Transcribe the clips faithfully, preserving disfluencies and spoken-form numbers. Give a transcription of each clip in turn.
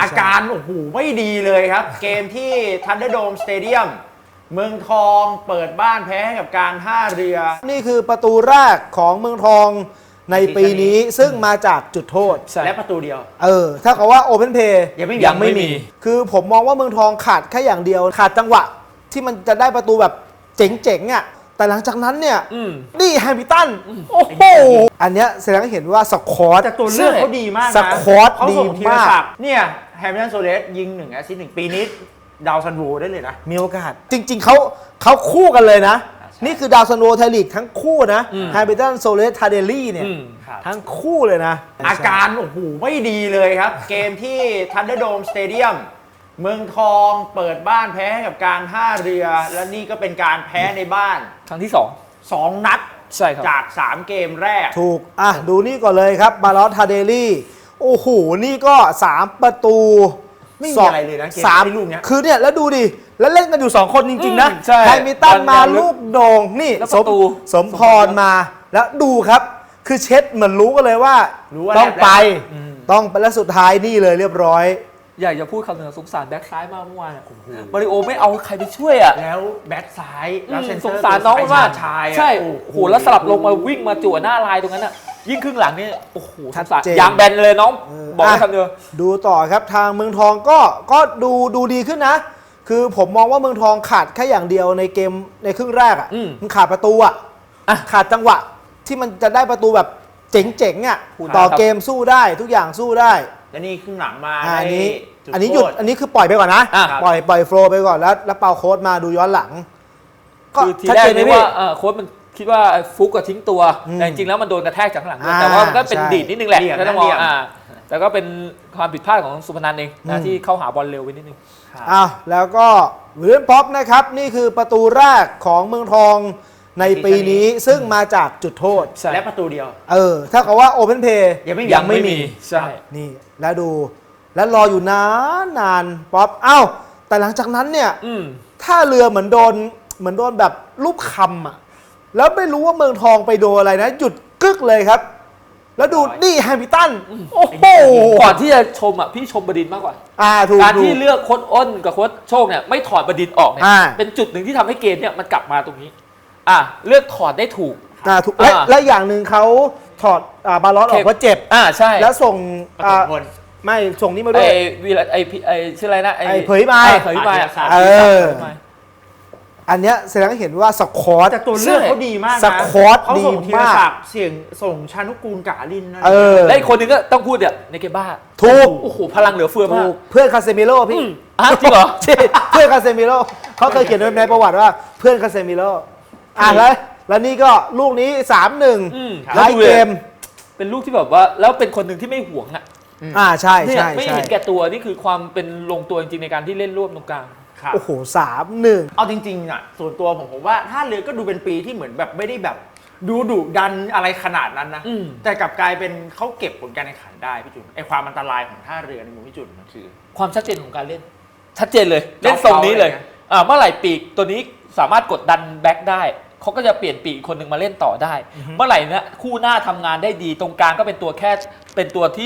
อาการโอ้โหไม่ดีเลยครับ เกมที่ทันเดอร์โดมสเตเดียมเมืองทองเปิดบ้านแพ้ให้กับการท่าเรือนี่คือประตูแรกของเมืองทองในปีนี้ซึ่งมาจากจุดโทษและประตูเดียวเออถ้าเขาว่าโอเพนเพย์ยังไม่ยังไม่มีคือผมมองว่าเมืองทองขาดแค่อย่างเดียวขาดจังหวะที่มันจะได้ประตูแบบเจ๋งๆอ่ะแต่หลังจากนั้นเนี่ยนี่แฮมิลตันโอ้โหอันเนี้ยแสดงให้เห็นว่าสควอตแต่ตัวเลือกเขาดีมากนะสควอตดีมากเนี่ยแฮมิลตันโซเลสยิงหนึ่งแอสซิสต์หนึ่งปีนี้ดาวซันโวได้เลยนะมีโอกาสจริงๆเขาเขาคู่กันเลยนะนี่คือดาวซันโวไทยลีกทั้งคู่นะแฮมิลตันโซเลสทาเดลี่เนี่ยทั้งคู่เลยนะอาการโอ้โหไม่ดีเลยครับเกมที่ทันเดอร์โดมสเตเดียมเมืองทองเปิดบ้านแพ้ให้กับการท่าเรือและนี่ก็เป็นการแพ้ในบ้านครั้งที่สองสองนัดใช่ครับจากสามเกมแรกถูกอ่ะดูนี่ก่อนเลยครับบาลอสทาเดลี่โอ้โหนี่ก็สามประตูไม่มีอะไรเลยนะเกมที่ลูกเนี้ยคือเนี่ยแล้วดูดิแล้วเล่นกันอยู่สองคนจริงๆนะแฮมิลตันมาลูกโด่งนี่สมสมพรมาแล้วดูครับคือเช็ดเหมือนรู้กันเลยว่าต้องไปต้องไปแล้วสุดท้ายนี่เลยเรียบร้อยอยากจะพูดคำหนึ่งสงสารแบ็คซ้ายมากเมื่อวานมาริโอไม่เอาใครไปช่วยอ่ะแล้วแบ็คซ้ายแล้วสงสารน้องมากใช่โอ้โหแล้วสลับลงมาวิ่งมาจั่วหน้าลายตรงนั้นอ่ะยิ่งครึ่งหลังนี่โอ้โหสงสารยางแบนเลยน้องบอกคำเดียวดูต่อครับทางเมืองทองก็ก็ดูดูดีขึ้นนะคือผมมองว่าเมืองทองขาดแค่อย่างเดียวในเกมในครึ่งแรกอ่ะมันขาดประตูอ่ะขาดจังหวะที่มันจะได้ประตูแบบเจ๋งๆอ่ะต่อเกมสู้ได้ทุกอย่างสู้ได้และนี่ครึ่งหลังมาอันนี้อันนี้หยุดอันนี้คือปล่อยไปก่อนนะปล่อยปล่อยโฟลไปก่อนแล้วแล้วเป่าโค้ดมาดูย้อนหลังก็ทีแรกนึกว่าโค้ดมันคิดว่าฟุกก็ทิ้งตัวแต่จริงๆแล้วมันโดนกระแทกจากข้างหลังแต่ว่ามันก็เป็นดีดนิดนึงแหละก็ต้องมองอ่าแต่ก็เป็นความผิดพลาดของสุพนันเองนะที่เข้าหาบอลเร็วไปนิดนึงอ้าวแล้วก็วิลเลียมพ็อปนะครับนี่คือประตูแรกของเมืองทองในปีนี้ซึ่งมาจากจุดโทษและประตูเดียวเออถ้าเขาว่าโอเพนเพย์ยังไม่ยังไม่มีใช่นี่แล้วดูแล้วรออยู่นานนานป๊อปเอ้าแต่หลังจากนั้นเนี่ยถ้าเรือเหมือนโดนเหมือนโดนแบบลูกคำอ่ะแล้วไม่รู้ว่าเมืองทองไปโดนอะไรนะหยุดกึกเลยครับแล้วดูนี่แฮมิลตันโอ้โหก่อนที่จะชมอ่ะพี่ชมบดินมากกว่าการที่เลือกโค้ชอ้นกับโค้ชโชคเนี่ยไม่ถอดบดินออกเนี่ยเป็นจุดหนึ่งที่ทำให้เกมเนี่ยมันกลับมาตรงนี้อ่ะเลือกถอดได้ถูกอ่าถูกและและอย่างหนึ่งเขาถอดอ่าบาลอสออกเพราะเจ็บอ่าใช่แล้วส่งอ่าไม่ส่งนี่มาด้วยไอ้วีไอ้ไอ้ชื่ออะไรนะไอ้เผยมาเผยมาเอออันเนี้ยแสดงให้เห็นว่าสควอตแต่ตัวเลือกเขาดีมากนะสควอตดีมากเสียงส่งชานุกูลกาลินนะและอีกคนนึงก็ต้องพูดเนี่ยในเกบ้าถูกโอ้โหพลังเหลือเฟือมากเพื่อนคาเซมิโร่พี่จริงเหรอเพื่อนคาเซมิโร่เขาเคยเขียนไว้ในประวัติว่าเพื่อนคาเซมิโร่อ่ะแล้วแล้วนี่ก็ลูกนี้ สามหนึ่ง ไล่เกมเป็นลูกที่แบบว่าแล้วเป็นคนหนึ่งที่ไม่หวงอ่ะอ่าใช่ใช่ไม่เห็นแก่ตัวนี่คือความเป็นลงตัวจริงๆในการที่เล่นร่วมตรงกลางโอ้โห สามหนึ่งเอาจริงๆอ่ะส่วนตัวผมผมว่าท่าเรือก็ดูเป็นปีที่เหมือนแบบไม่ได้แบบดูดุดันอะไรขนาดนั้นนะแต่กลับกลายเป็นเขาเก็บผลการแข่งขันได้พี่จุนไอความอันตรายของท่าเรือในมุมพี่จุนมันคือความชัดเจนของการเล่นชัดเจนเลยเล่นทรงนี้เลยอ่าเมื่อไหร่ปีกตัวนี้สามารถกดดันแบ็คได้เขาก็จะเปลี่ยนปีกคนหนึ่งมาเล่นต่อได้เมื่อไหร่นะคู่หน้าทำงานได้ดีตรงกลางก็เป็นตัวแค่เป็นตัวที่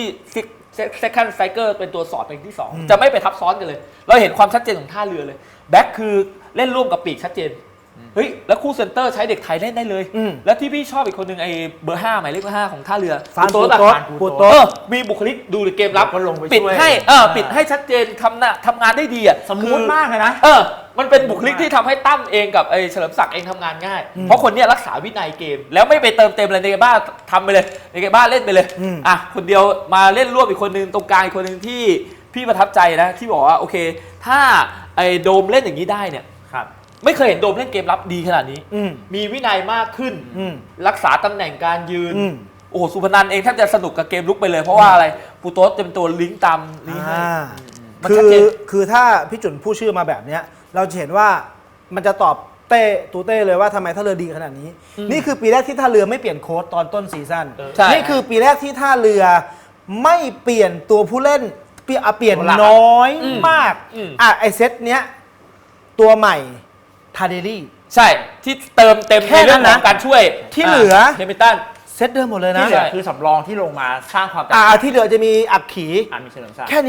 second striker เป็นตัวสอดเป็นที่สองจะไม่ไปทับซ้อนกันเลยเราเห็นความชัดเจนของท่าเรือเลยแบ็คคือเล่นร่วมกับปีกชัดเจนเฮ้ยแล้วคู่เซนเตอร์ใช้เด็กไทยเล่นได้เลยแล้วที่พี่ชอบอีกคนหนึ่งไอ้เบอร์ห้าหมายเลขห้าของท่าเรือฟานโต้ปูโต้มีบุคลิกดูเกมรับปิดให้เออปิดให้ชัดเจนทำหน้าทำงานได้ดีอ่ะสมูทมากเลยนะเออมันเป็นบุคลิกที่ทำให้ตั้มเองกับไอ้เฉลิมศักดิ์เองทำงานง่ายเพราะคนนี้รักษาวินัยเกมแล้วไม่ไปเติมเต็มอะไรในเกมบ้าทำไปเลยในเกมบ้าเล่นไปเลยอ่ะคนเดียวมาเล่นร่วมอีกคนนึงตรงกลางอีกคนนึงที่พี่ประทับใจนะที่บอกว่าโอเคถ้าไอ้โดมเล่นอย่างนี้ได้เนี่ยไม่เคยเห็นโดมเล่นเกมรับดีขนาดนี้มีวินัยมากขึ้นรักษาตำแหน่งการยืนโอ้โหสุพนันเองแทบจะสนุกกับเกมลุกไปเลยเพราะว่าอะไรปูโต๊ดจะเป็นตัวลิงก์ตามนี้ให้คือคือถ้าพี่จุนพูดชื่อมาแบบเนี้ยเราจะเห็นว่ามันจะตอบเต้ตูเต้เลยว่าทำไมท่าเรือดีขนาดนี้นี่คือปีแรกที่ท่าเรือไม่เปลี่ยนโค้ชตอนต้นซีซั่นนี่คือปีแรกที่ท่าเรือไม่เปลี่ยนตัวผู้เล่นเปลี่ยนน้อยมากอ่ะไอเซตเนี้ยตัวใหม่ทาเดลี่ใช่ที่เติมเต็มในเรื่องของการช่วยที่เหลือเฮมิลตันเซตเดิมหมดเลยนะที่เหลือคือสำรองที่ลงมาสร้างความอ่าที่เหลือจะมีอักขีอ่ามีเฉลิมศักดิ์แค่นี้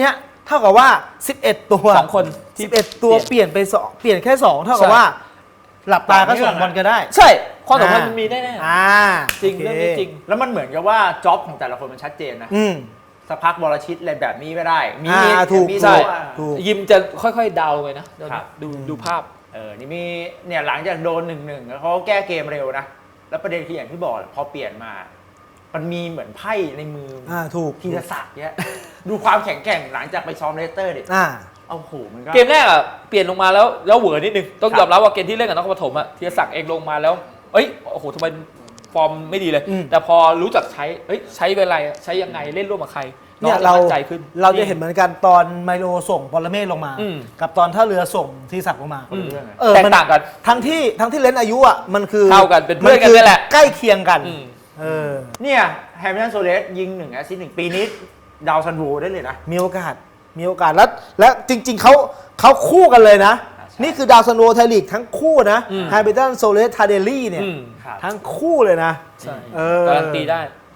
เท่ากับว่าสิบเอ็ดตัวสองคนที่สิบเอ็ดตัวเปลี่ยนไปสองเปลี่ยนแค่สองเท่ากับใช่ว่า หลับตาก็ส่งบอลกันได้ใช่ความสัมพันธ์มันมีแน่อ่าๆจริงโคเรื่องนี้จริงแล้วมันเหมือนกับว่าจ็อบของแต่ละคนมันชัดเจนนะอืมสักพักบอลชิตอะไรแบบนี้ไม่ได้ มีอ่าถูกมีใช่ตัวอ่ะถูกยิมจะค่อยๆเดาไปนะเดี๋ยวครันี้บดูดูภาพเออ นี่มี เนี่ยหลังจากโดนหนึ่งหนึ่งเขาแก้เกมเร็วนะ แล้วประเด็นคืออย่างที่บอกแหละพอเปลี่ยนมา มันมีเหมือนไพ่ในมืออ่าถูกทีละศักดิ์เนี่ย ดูความแข็งแกร่งหลังจากไปซ้อมเลสเตอร์ดิอ่าเอาโหมันก็เกมแรกอ่ะเปลี่ยนลงมาแล้วแล้วเหวอนิดนึงต้องครับยอมรับว่าเกมที่เล่นกับนครปฐมอ่ะธีรศักดิ์เองลงมาแล้วเอ้ยโอ้โหทำไมฟอร์มไม่ดีเลยอืมแต่พอรู้จักใช้เอ้ยใช้เวลาใช้ยังไงเล่นร่วมกับใครเนี่ยองจะเรามั่นใจขึ้นเราจะเห็นเหมือนกันตอนไมโลส่งปรเมศลงมาอืมกับตอนท่าเรือส่งทีศักดิ์ลงมาคนละเรื่องอะเออแตกมันต่างกันทั้งที่ทั้งที่เลนส์อายุอ่ะมันคือเท่ากันเป็นเพื่อนกันมันี่แหละใกล้เคียงกันอืมเออเนี่ยแฮมิลตันโซเลสยิงหนึ่งแอสซิสต์หนึ่งปีนี้ดาวซันโวได้เลยนะมีโอกาส มีโอกาส แล้วและจริง ๆ เขาเขาคู่กันเลยนะอ่าใช่นี่คือดาวซันโวไทยลีกทั้งคู่นะอืมไฮเบตันโซเลสทาเดลี่เนี่ยอืมครับทั้งคู่เลยนะใช่เออการันตีได้